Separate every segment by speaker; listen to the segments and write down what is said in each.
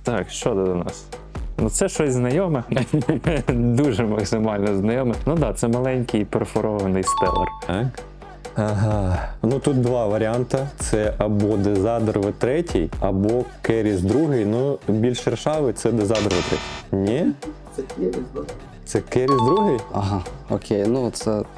Speaker 1: Так, що до нас? Ну це щось знайоме, дуже максимально знайоме. Ну так, це маленький перфорований стелер.
Speaker 2: Так. Ага. Ну тут два варіанти. Це або Дезадр V3, або Керіс 2. Ну, більш ршавий це Дезадр V3. Ні?
Speaker 3: Це Керіс, да?
Speaker 2: Це Керіс 2?
Speaker 4: Ага, окей, ну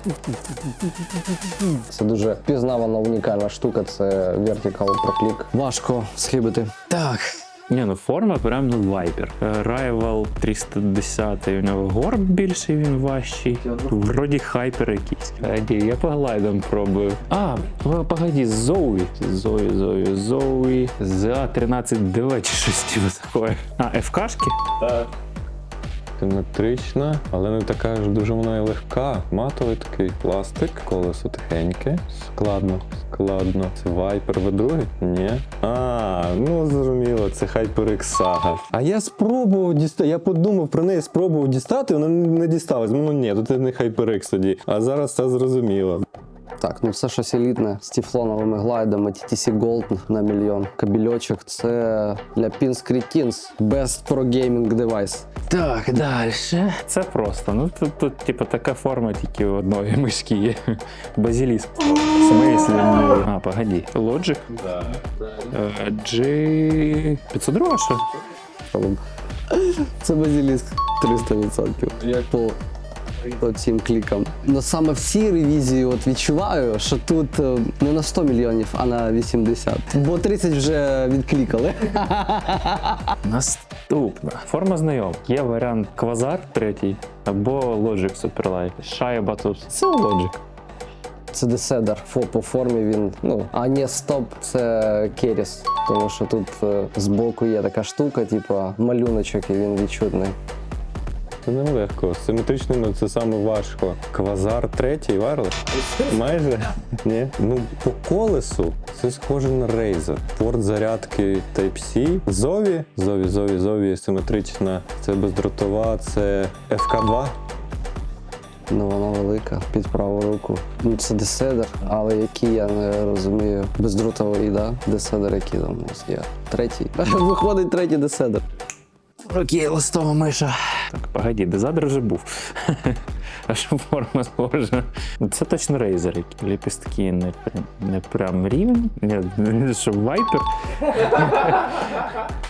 Speaker 4: це дуже пізнавана унікальна штука, це Vertical Proclick. Важко схибити. Так.
Speaker 1: Ні, ну форма прям ну Viper. Rival 310, у нього горб більший, він важчий. Вроді хайпер якийсь. Я по глайдам пробую. А, погоді, Zoe. Zoe. За 13 чи щось таке. А, FK-шки?
Speaker 2: Так. Симетрична, але не така ж дуже вона і легка. Матовий такий пластик, колесо тихеньке. Складно. Це Viper V2? Ні. Ну зрозуміло, це HyperX Saga. А я спробував дістати, я подумав про неї, спробував дістати, вона не дісталась. Ну ні, тут не HyperX тоді. А зараз це зрозуміло.
Speaker 4: Так, ну це щось елітне з тефлоновими глайдами, TTC Gold на мільйон. Кабельочок, це для Pins Cretins. Best Pro Gaming Device.
Speaker 1: Так, далі. Це просто. Ну тут типу така форма тільки у одної мишки є. Базиліск. В смислі? А, погоді. Logic?
Speaker 2: Да.
Speaker 1: G502, що?
Speaker 4: Це базиліск 300%. Як по цим клікам. Но саме в цій ревізії от відчуваю, що тут не на 100 мільйонів, а на 80. Бо 30 вже відклікали.
Speaker 1: Наступна. Форма знайома. Є варіант Quasar 3 або Logic Superlight. Шайба тут. Це Logic.
Speaker 4: Це Desedar. По формі він, а не стоп, це Керіс. Тому що тут збоку є така штука, типу малюночок, і він відчутний.
Speaker 2: Це нелегко. З симетричними це саме важко. Quasar 3 Wireless? Майже? Ні. Ну, по колесу це схоже на Razer. Порт зарядки Type-C. Zowie симетрична. Це бездротова, це FK2.
Speaker 4: Ну, вона велика, під праву руку. Ну, це Desedar, але який, я не розумію. Бездротовий, да? Desedar, який там у нас є? Третій. Виходить третій Desedar.
Speaker 1: Окей, листова миша. Так, погоді, Дезадр вже був. А що форма схожа? Це точно Razer, які ліпістки не прям рівень. Ні, що Viper.